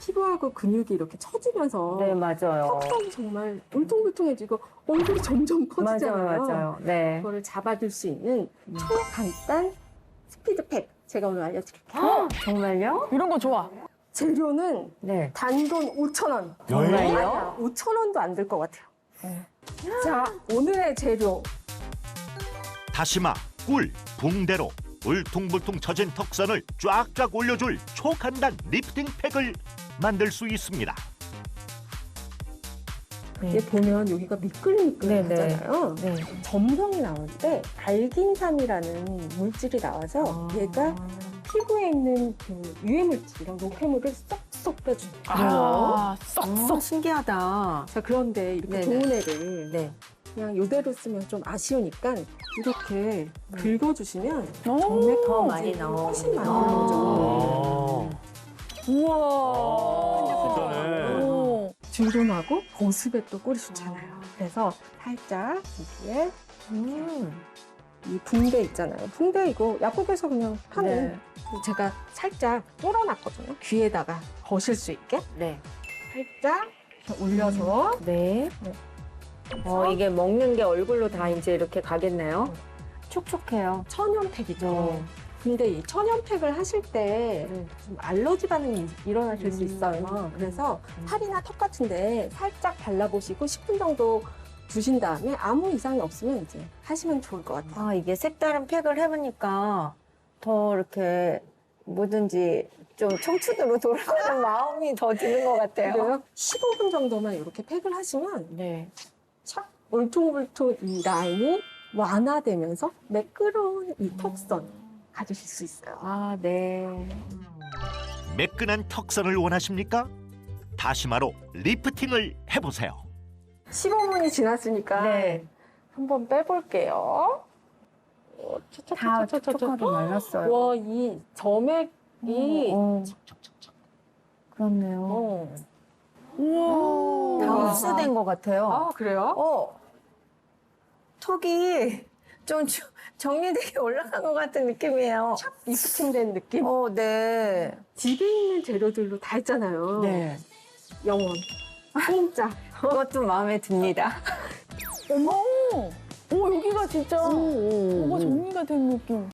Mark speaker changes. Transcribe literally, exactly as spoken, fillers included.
Speaker 1: 피부하고 근육이 이렇게 처지면서
Speaker 2: 네, 맞아요.
Speaker 1: 턱선이 정말 울퉁불퉁해지고 얼굴이 점점 커지잖아요.
Speaker 2: 맞아요, 맞아요. 네.
Speaker 1: 그거를 잡아줄 수 있는 초간단 스피드팩 제가 오늘 알려드릴게요.
Speaker 2: 헉, 정말요?
Speaker 3: 이런 거 좋아.
Speaker 1: 재료는
Speaker 2: 네.
Speaker 1: 단돈 오천 원.
Speaker 2: 정말요?
Speaker 1: 아니야, 오천 원도 안 들 것 같아요. 자, 오늘의 재료.
Speaker 4: 다시마, 꿀, 붕대로 울퉁불퉁 처진 턱선을 쫙쫙 올려줄 초간단 리프팅 팩을 만들 수 있습니다.
Speaker 1: 얘 보면 여기가 미끌미끌하잖아요.
Speaker 2: 네.
Speaker 1: 점성이 나올 때 알긴산이라는 물질이 나와서 얘가 피부에 있는 그 유해 물질이랑 노폐물을 쏙쏙 빼줍니다.
Speaker 3: 아,
Speaker 2: 아,
Speaker 3: 쏙쏙.
Speaker 2: 신기하다.
Speaker 1: 자, 그런데 이렇게
Speaker 2: 네네.
Speaker 1: 좋은 애를
Speaker 2: 네.
Speaker 1: 그냥 이대로 쓰면 좀 아쉬우니까 이렇게 긁어주시면
Speaker 3: 오,
Speaker 1: 정맥
Speaker 2: 더 많이 나오고.
Speaker 1: 훨씬 많이
Speaker 3: 아.
Speaker 1: 나오죠.
Speaker 3: 우와.
Speaker 5: 진짜네.
Speaker 3: 오.
Speaker 1: 주름하고 보습에 또 꿀이 좋잖아요. 그래서 살짝 여기에
Speaker 2: 음.
Speaker 1: 이 붕대 있잖아요. 붕대 이거 약국에서 그냥 파는
Speaker 2: 네.
Speaker 1: 제가 살짝 뚫어놨거든요. 귀에다가 거실 수 있게
Speaker 2: 네.
Speaker 1: 살짝 이렇게 올려서
Speaker 2: 네.
Speaker 1: 네.
Speaker 2: 어, 이게 먹는 게 얼굴로 다 이제 이렇게 가겠네요. 촉촉해요.
Speaker 1: 천연팩이죠.
Speaker 2: 네.
Speaker 1: 근데 이 천연팩을 하실 때
Speaker 2: 네.
Speaker 1: 좀 알러지 반응이 일어나실 수
Speaker 2: 음.
Speaker 1: 있어요. 그래서
Speaker 2: 음.
Speaker 1: 팔이나 턱 같은데 살짝 발라보시고 십 분 정도 두신 다음에 아무 이상이 없으면 이제 하시면 좋을 것 같아요.
Speaker 2: 아, 이게 색다른 팩을 해보니까 더 이렇게 뭐든지 좀 청춘으로 돌아가는 마음이 더 드는 것 같아요.
Speaker 1: 그래요? 십오 분 정도만 이렇게 팩을 하시면
Speaker 2: 네.
Speaker 1: 착 울퉁불퉁 이 라인이 완화되면서 매끄러운 이 턱선 가지실 수 있어요.
Speaker 2: 아, 네.
Speaker 4: 매끈한 턱선을 원하십니까? 다시마로 리프팅을 해보세요.
Speaker 1: 십오 분이 지났으니까
Speaker 2: 네.
Speaker 1: 한번 빼볼게요. 어,
Speaker 2: 다
Speaker 1: 촉촉촉촉촉촉.
Speaker 2: 촉촉하게 말랐어요.
Speaker 1: 와, 이 점액이
Speaker 2: 어, 그렇네요.
Speaker 1: 어.
Speaker 3: 우와.
Speaker 2: 다
Speaker 1: 우와.
Speaker 2: 흡수된 것 같아요.
Speaker 1: 아, 그래요?
Speaker 2: 어, 턱이 좀 저- 정리되게 올라간 것 같은 느낌이에요.
Speaker 1: 리프팅된 느낌?
Speaker 2: 어, 네.
Speaker 1: 집에 있는 재료들로 다 했잖아요.
Speaker 2: 네.
Speaker 1: 영원. 공짜.
Speaker 2: 그것도 마음에 듭니다.
Speaker 3: 어머. 오, 여기가 진짜 뭐가 정리가 된 느낌.